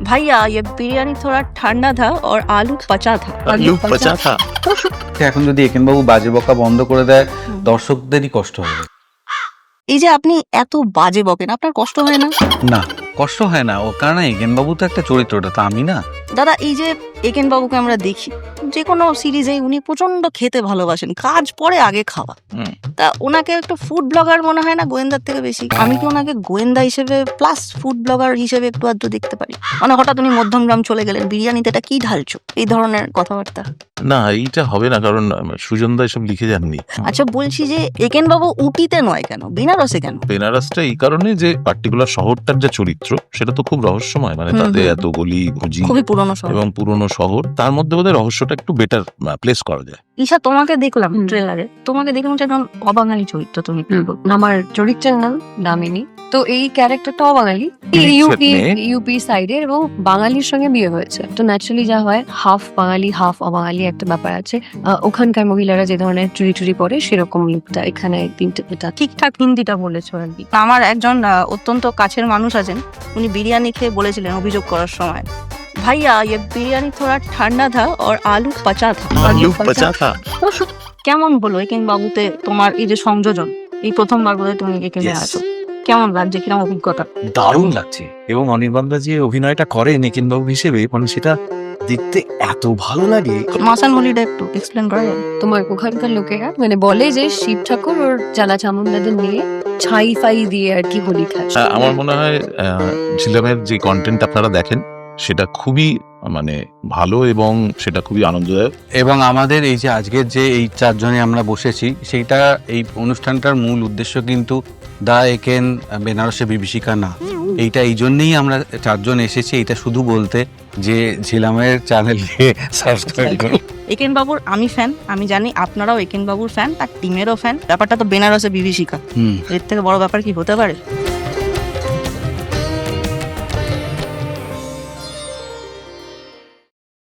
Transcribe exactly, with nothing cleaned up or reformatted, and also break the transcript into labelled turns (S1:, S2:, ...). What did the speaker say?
S1: भैया ये बिरयानी थोड़ा ठंडा था और आलू पचा था।
S2: আলু পচা থা।
S3: এখন যদি একেন বাবু বাজে বকা বন্ধ করে দেয় দর্শকদেরই কষ্ট হবে।
S1: এই যে আপনি এত বাজে বকেন, আপনার কষ্ট হয় না?
S3: না কষ্ট হয় না, ও কারণ একেন বাবু তো একটা চরিত্রটা তো আমি না।
S1: দাদা এই যে একেন বাবুকে আমরা দেখি যে কোনো সিরিজে, উনি প্রচন্ড খেতে ভালোবাসেন, কাজ পরে আগে খাওয়া।
S2: হুম।
S1: তা ওনাকে একটা ফুড ব্লগার মনে হয় না গোয়েন্দার থেকে বেশি? আমি কি ওনাকে গোয়েন্দা হিসেবে প্লাস ফুড ব্লগার হিসেবে একটু আধটু দেখতে পারি? মানে হঠাৎ উনি মধ্যমগ্রাম চলে গেলেন, বিরিয়ানিতে এটা কি ঢালছো, এই ধরনের কথাবার্তা।
S2: না এইটা হবে না, কারণ সুজন দা এসব লিখে যাননি।
S1: আচ্ছা বলছি যে একেন বাবু উটিতে নয় কেন, বেনারসে কেন?
S2: বেনারসটা এই কারণে যে পার্টিকুলার শহরটার যে চরিত্র সেটা তো খুব রহস্যময়, মানে
S1: হুম,
S2: তাতে
S1: হুম।
S2: এত গলি গুজি
S1: খুবই পুরনো শহর।
S2: এবং পুরনো শহর, তার মধ্যে বোধহয় রহস্যটা একটু বেটার প্লেস করা যায়।
S1: ঈশা তোমাকে দেখলাম ট্রেলারে, তোমাকে দেখে মনে হচ্ছে একদম অবাঙালি চরিত্র তুমি।
S4: আমার চরিত্রের নাম দামিনী। তো এই ক্যারেক্টারটা অবাঙালি,
S2: ইলিশ
S4: ইউপি
S2: মেয়ে।
S4: ইউপি সাইডের, এবং বাঙালির সঙ্গে বিয়ে হয়েছে। তো ন্যাচারালি যা হয়, হাফ বাঙালি হাফ অবাঙালি একটা ব্যাপার আছে। আহ, ওখানকার মহিলারা যে ধরনের চুরি চুরি পরে সেরকম লুকটা এখানে তিনটে এটা
S1: ঠিকঠাক হিন্দিটা বলেছো আর কি। আমার একজন আহ, অত্যন্ত কাছের মানুষ আছেন, উনি বিরিয়ানি খেয়ে বলেছিলেন অভিযোগ করার সময়, ভাইয়া ये बिरयानी थोड़ा ठंडा था और आलू पचा था।
S2: আলু পচা থা।
S1: কেমন হলো একেন বাবুতে তোমার এই যে সংযোজন, এই প্রথমবার বোধহয় তুমি এখানে
S5: Yes.
S1: আছো, কেমন লাগছে, কিরকম অভিজ্ঞতা?
S5: দারুণ লাগছে। এবং অনির্বাণদা যে অভিনয়টা করে নিখিলবাবু হিসেবে, মানে সেটা দেখতে এত ভালো লাগে।
S1: মাসান হোলিটা একটু এক্সপ্লেন করা যাবে?
S4: তোমার ওখানকার লোকেরা মানে বলে যে শিব ঠাকুর ওর চালা চামুন্ডাদের নিয়ে ছাই ফাই দিয়ে আর কি হোলি খাচ্ছে।
S2: আহ, আমার মনে হয় আহ, ঝিলামের যে কন্টেন্ট আপনারা দেখেন সেটা খুবই মানে ভালো এবং সেটা খুবই আনন্দদায়ক।
S3: এবং আমাদের এই যে আজকের যে এই চারজনে আমরা বসেছি, সেইটা এই অনুষ্ঠানটার মূল উদ্দেশ্য কিন্তু দা একেন বেনারসে বিভীষিকা না। এইটা এই জন্যেই আমরা চারজন এসেছি, এটা শুধু বলতে যে ঝিলামের চ্যানেলকে সাবস্ক্রাইব করুন।
S1: একেন বাবুর আমি ফ্যান, আমি জানি আপনারাও একেন বাবুর ফ্যান, তার টিমেরও ফ্যান। ব্যাপারটা তো বেনারসে বিভীষিকা,
S3: হুম
S1: এর থেকে বড় ব্যাপার কি হতে পারে?